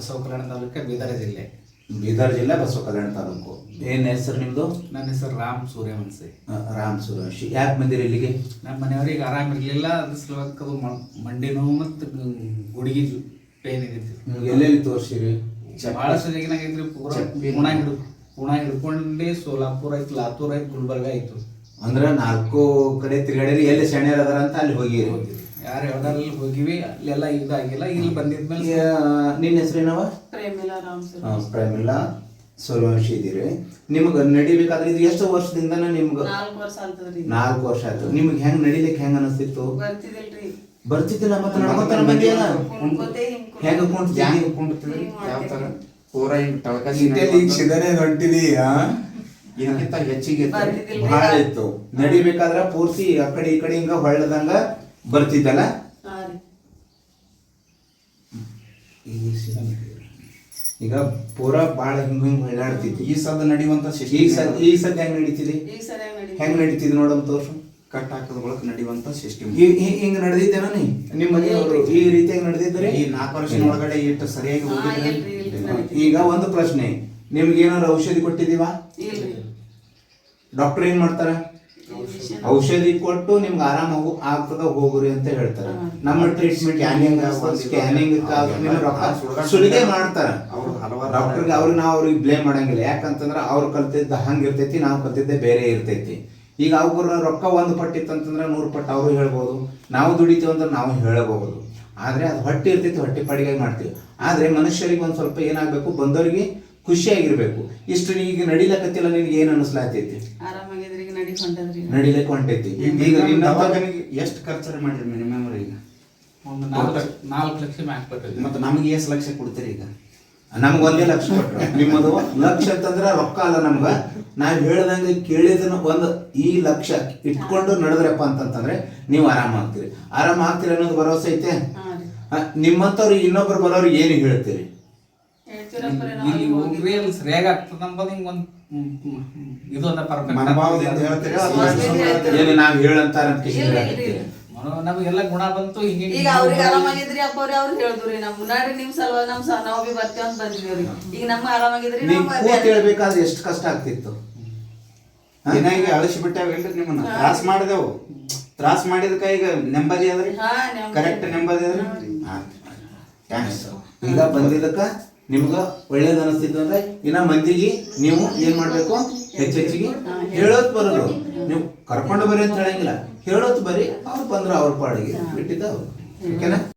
ಬಸವ ಕಲ್ಯಾಣ ತಾಲೂಕು, ಬೀದರ್ ಜಿಲ್ಲೆ. ಬೀದರ್ ಜಿಲ್ಲೆ, ಬಸವ ಕಲ್ಯಾಣ ತಾಲೂಕು. ಏನು ಹೆಸರು ನಿಮ್ಮದು? ನನ್ನ ಹೆಸರು ರಾಮ್ ಸೂರ್ಯವಂಶಿ. ರಾಮ್ ಸೂರ್ಯವಂಶಿ. ಯಾಕೆ ಬಂದಿರಿ ಇಲ್ಲಿಗೆ? ನಮ್ಮ ಮನೆಯವ್ರಿಗೆ ಆರಾಮಿರಲಿಲ್ಲ, ಅದ್ರ ಸಲುವಾಗಿ ಅದು ಮಂಡಿ ನೋವು ಮತ್ತು ಗುಡಿಗೆ ಪೇನ್ ಇದ್ದಿತ್ತು. ಎಲ್ಲೆಲ್ಲಿ ತೋರಿಸಿರಿ? ಭಾಳ ಸರಿಯಾಗಿನಾಗೈತ್ರಿ. ಪೂಣ ಹಿಡ್ಕೊಂಡು ಸೋಲಾಪುರ ಐತಿ, ಲಾತೂರ್ ಐತಿ, ಗುಲ್ಬರ್ಗ ಆಯ್ತು. ಅಂದ್ರೆ 4 ಕಡೆ ತಿರುಗಾಡಿರಿ. ಎಲ್ಲಿ ಸೆಣ್ಯರ್ ಅದಾರ ಅಂತ ಅಲ್ಲಿ ಹೋಗಿರಿ? ಯಾರು ಯಾವ್ದಲ್ಲಿ ಹೋಗಿವಿ, ಅಲ್ಲೆಲ್ಲ ಇದಾಗಿಲ್ಲ. ಇಲ್ಲಿ ಬಂದಿದ್ಮೇಲೆ ನಿನ್ನ ಹೆಸರೇನವ? ಪ್ರೇಮಿಲಾ ರಾಮ್ ಪ್ರೇಮಿಲಾ ಸೂರ್ಯವಂಶಿ ಇದ್ದೀರಿ. ನಿಮ್ಗೆ ನಡಿಬೇಕಾದ್ರೆ ಇದು ಎಷ್ಟು ವರ್ಷದಿಂದ ನಿಮ್ಗೆ? 4 ವರ್ಷ ಆಗ್ತದ್ರಿ. 4 ವರ್ಷ ಆಯ್ತು. ನಿಮ್ಗೆ ಹೆಂಗ್ ನಡಿಲಿಕ್ಕೆ ಹೆಂಗ್ ಅನಿಸ್ತಿತ್ತು? ಬರ್ತಿದಿಲ್ರಿ. ಬರ್ತಿದ್ದಿಲ್ಲ. ಮತ್ತೆ ನಡ್ಕೊತಾನ ಬಂದಿಯಲ್ಲ, ಹೆಂಗ ಕುಂಡ್ತಿದ್ರಿ? ಯಾವ ತರ ಪೂರ ಹಿಂಗ್ ಸಿಗನೆ ಹೊಂಟಿದಿ? ಇದಕ್ಕಿಂತ ಹೆಚ್ಚಿಗೆ ಬಹಳ ಇತ್ತು. ನಡಿಬೇಕಾದ್ರ ಪೂರ್ತಿ ಆ ಕಡೆ ಈ ಕಡೆ ಹಿಂಗ ಹೊಳ್ಳದಂಗ ಬರ್ತಿದ್ದಲ್ಲ. ಈಗ ಪೂರಾ ಬಾಳ ಹಿಂಗ ಹಿಂಗ್ ಹೊಳ್ಳಾಡ್ತಿತ್ತು. ಈ ಸದ ನಡಿಯುವಂತ ಈ ಸದ್ಯ ಹೆಂಗ್ ನಡೀತಿದೆ? ಹೆಂಗ್ ನಡೀತಿದ್ ನೋಡಮ್ ತೋರ್ಸು. ಕಟ್ ಹಾಕದ ಬಳಕ ನಡಿಯುವಂತ ಸಿಸ್ಟಮ್ ಹಿಂಗ್ ನಡೆದಿದ್ದೇನ? ನಿಮ್ಮ ಮನೆಯವರು ಈ ರೀತಿಯಾಗಿ ನಡೆದಿದ್ರೆ ಈ 4 ವರ್ಷದ ಒಳಗಡೆ ಇಟ್ಟು ಸರಿಯಾಗಿ ಹೋಗಿದ್ರೆ. ಈಗ ಒಂದು ಪ್ರಶ್ನೆ, ನಿಮ್ಗೆ ಏನಾದ್ರು ಔಷಧಿ ಕೊಟ್ಟಿದೀವಾ? ಡಾಕ್ಟರ್ ಏನ್ ಮಾಡ್ತಾರ? ಔಷಧಿ ಕೊಟ್ಟು ನಿಮ್ಗೆ ಆರಾಮ ಆಗ್ತದ, ಹೋಗ್ರಿ ಅಂತ ಹೇಳ್ತಾರ. ನಮ್ಮ ಟ್ರೀಟ್ಮೆಂಟ್ ಸ್ಕ್ಯಾನಿಂಗ್ ಸುಲಿಗೆ ಮಾಡ್ತಾರ ಡಾಕ್ಟರ್ಗೆ. ಅವ್ರಿಗೆ ಬ್ಲೇಮ್ ಮಾಡಂಗಿಲ್ಲ. ಯಾಕಂತಂದ್ರ ಅವ್ರು ಕಲ್ತಿದ್ದ ಹಂಗ ಇರ್ತೈತಿ, ನಾವು ಕಲ್ತಿದ್ದೆ ಬೇರೆ ಇರ್ತೈತಿ. ಈಗ ಅವ್ರ ರೊಕ್ಕ 1 ಪಟ್ಟಿತ್ತಂತಂದ್ರೆ 100 ಪಟ್ಟು ಅವರು ಹೇಳ್ಬೋದು. ನಾವು ದುಡಿತೀವಿ ಅಂದ್ರೆ ನಾವು ಹೇಳಬಹುದು. ಆದ್ರೆ ಅದು ಹೊಟ್ಟೆ ಇರ್ತೈತಿ, ಹೊಟ್ಟೆ ಪಾಡಿಗಾಗಿ ಮಾಡ್ತೀವಿ. ಆದ್ರೆ ಮನುಷ್ಯರಿಗೆ ಒಂದ್ ಸ್ವಲ್ಪ ಏನಾಗ್ಬೇಕು, ಬಂದವರಿಗೆ ಖುಷಿಯಾಗಿರ್ಬೇಕು. ಇಷ್ಟು ಈಗ ನಡಿಲಕತ್ತಿಲ್ಲ, ನಿನ್ಗೆ ಏನ್ ಅನಿಸ್ಲಾತೈತಿ? ನಡಿಲಕ್ಕೆ ಹೊಂಟೈತಿ. ಈಗ ಎಷ್ಟು ಖರ್ಚು ಮಾಡಿರಿ ಮಿನಿಮಮ್? ಈಗ ಒಂದು 4 ಲಕ್ಷ ಮ್ಯಾಕ್ ಬರ್ತೈತಿ. ಮತ್ತೆ ನಮ್ಗೆ ಎಷ್ಟು ಲಕ್ಷ ಕೊಡ್ತೀರಿ? ಈಗ ನಮ್ಗೆ 1 ಲಕ್ಷ ಕೊಟ್ರ. ನಿಮ್ಮದು ಲಕ್ಷ ಅಂತಂದ್ರ ರೊಕ್ಕ ಅಲ್ಲ ನಮ್ಗ. ನಾವ್ ಹೇಳ್ದಂಗೆ ಕೇಳಿದನ ಈ ಲಕ್ಷ ಇಟ್ಕೊಂಡು ನಡೆದ್ರಪ್ಪ ಅಂತಂತಂದ್ರೆ ನೀವು ಆರಾಮ ಆಗ್ತೀರಿ ಅನ್ನೋದು ಭರವಸೆ ಐತೆ. ನಿಮ್ಮಂತವ್ರು ಇನ್ನೊಬ್ರು ಬರೋರು ಏನು ಹೇಳ್ತೀರಿ? ಇಲ್ಲಿ ಹೋಗ್ರಿ, ಅಲ್ಲಿ ಸರಿಯಾಗಿ ಆಗ್ತದ ಅಂಬೋದು ಹಿಂಗ ಒಂದು ಇದು ಅದ ಪರ್ಫೆಕ್ಟ್ ಮನೋಭಾವದಿಂದ ಹೇಳ್ತೀರಿ. ನಾವ್ ಹೇಳಂತಾರ ನಮಗೆಲ್ಲ ಗುಣ ಬಂತು. ಈಗ ಅವ್ರಿಗೆ ಆರಾಮಾಗಿದ್ರಿ ಅಪ್ಪ ಅವ್ರು ಹೇಳಿದ್ರಿ, ನಮ್ ಮುನ್ನಾಡಿ ನಿಮ್ ಸಲುವಾಗಿ ನಾವು ಬಿ ಬರ್ತೀವಿ ಅಂತ ಬಂದಿದ್ದೀವ್ರಿ. ಈಗ ನಮ್ಗೆ ಆರಾಮಾಗಿದ್ರಿ. ಹೇಳ್ಬೇಕಾದ್ರೆ ಎಷ್ಟು ಕಷ್ಟ ಆಗ್ತಿತ್ತು. ಏನಾಗಿ ಅಳಿಸಿ ಬಿಟ್ಟಾವೇನ್ರಿ ನಿಮ್ಮನ್ನ? ತ್ರಾಸ್ ಮಾಡಿದಕ್ಕ ಈಗ ನೆಮ್ಮದಿ ಅದ್ರಿ? ಕರೆಕ್ಟ್ ನೆಮ್ಮದಿ ಅದ್ರಿ? ಈಗ ಬಂದಿದ್ದಕ್ಕ ನಿಮ್ಗ ಒಳ್ಳೇದ್ ಅನಿಸ್ತಿತ್ತು ಅಂದ್ರೆ ಇನ್ನ ಮಂದಿಗೆ ನೀವು ಏನ್ ಮಾಡ್ಬೇಕು, ಹೆಚ್ಚೆಚ್ಚಿಗೆ ಹೇಳೋದ್ ಬರೋದು. ನೀವು ಕರ್ಕೊಂಡು ಬರ್ರಿ ಅಂತ ಹೇಳಂಗಿಲ್ಲ, ಹೇಳೋದ್ ಬರ್ರಿ. ಅವ್ರು ಬಂದ್ರ ಅವ್ರ ಪಾಡಿಗೆ ಬಿಟ್ಟಿದ್ದ ಅವ್ರು. ಓಕೆನಾ?